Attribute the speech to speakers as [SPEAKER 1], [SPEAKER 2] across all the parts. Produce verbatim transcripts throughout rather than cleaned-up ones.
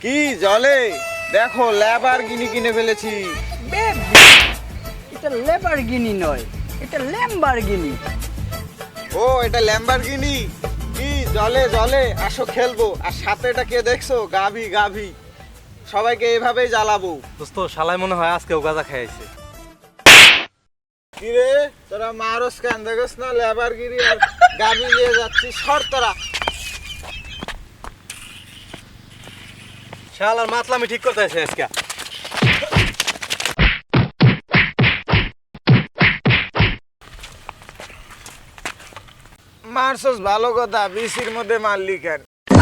[SPEAKER 1] কি জলে দেখো ল্যাম্বরগিনি কিনে ফেলেছি।
[SPEAKER 2] বেবি, এটা ল্যাম্বরগিনি নয়, এটা ল্যাম্বরগিনি।
[SPEAKER 1] ও এটা ল্যাম্বরগিনি। কি জলে জলে আসো খেলবো। আর সাথে এটা কে দেখছো? গাভী গাভী। সবাইকে এইভাবেই জ্বালাবো।
[SPEAKER 3] দোস্ত শালাই মনে হয় আজকেও গাঁজা খাইছে।
[SPEAKER 1] কি রে তোরা মারস কেন? দেখছ না ল্যাম্বরগিনি আর গাভী নিয়ে যাচ্ছি। সর তোরা।
[SPEAKER 3] শালার মাতলামি ঠিক করতে আছে আজকে।
[SPEAKER 1] মারছস ভালো কথা, বিসির মধ্যে মারলি কেন?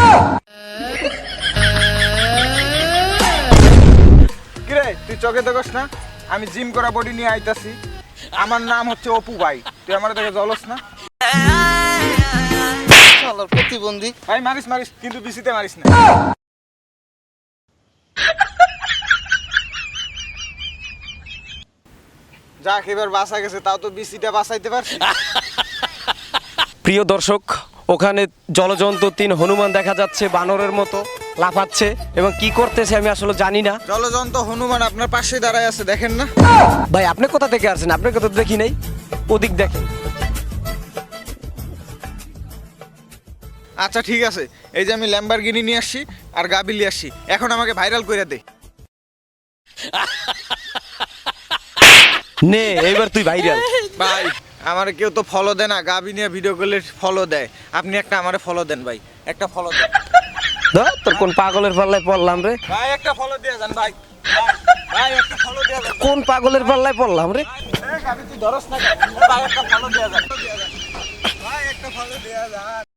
[SPEAKER 1] কিরে তুই চোখে দেখস না আমি জিম করা বডি নিয়ে আইতাছি? আমার নাম হচ্ছে অপু ভাই, তুই আমার দেখে জলস না?
[SPEAKER 4] শালার প্রতিবন্ধী।
[SPEAKER 1] ভাই মারিস মারিস কিন্তু বিসিতে মারিস না। যাক এবার বাঁচা গেছে, তাও তো বিসিটা বাঁচাইতে পারছি।
[SPEAKER 5] প্রিয় দর্শক, ওখানে জলজন্ত তিন হনুমান দেখা যাচ্ছে, বানরের মতো লাফাচ্ছে এবং কি করতেছে আমি আসলে জানি না।
[SPEAKER 1] জলজন্ত হনুমান আপনার পাশে দাঁড়ায় আছে, দেখেন না?
[SPEAKER 5] ভাই আপনি কোথা থেকে আসছেন? আপনার কথা তো দেখি নাই। ওদিক দেখেন।
[SPEAKER 1] আচ্ছা ঠিক আছে, এই যে আমি ল্যাম্বরগিনি নিয়ে আসছি আর গাবি নিয়ে আসছি, এখন আমাকে ভাইরাল করে দে।
[SPEAKER 5] নে এইবার তুই ভাইরাল।
[SPEAKER 1] ভাই আমার কেউ তো ফলো দেয় না, গাবি নিয়ে ভিডিও করলে ফলো দেয়। আপনি একটা আমারে ফলো দেন ভাই, একটা ফলো দেন।
[SPEAKER 5] ধর তোর কোন পাগলের পাল্লায় পড়লাম রে?
[SPEAKER 1] ভাই একটা ফলো দিয়ে যান ভাই। ভাই একটা ফলো দিয়ে যান।
[SPEAKER 5] কোন পাগলের পাল্লায় পড়লাম রে?
[SPEAKER 1] এই গাবি তুই ধরস না কেন? ভাই একটা ফলো দিয়ে যান। ভাই একটা ফলো দিয়ে যান।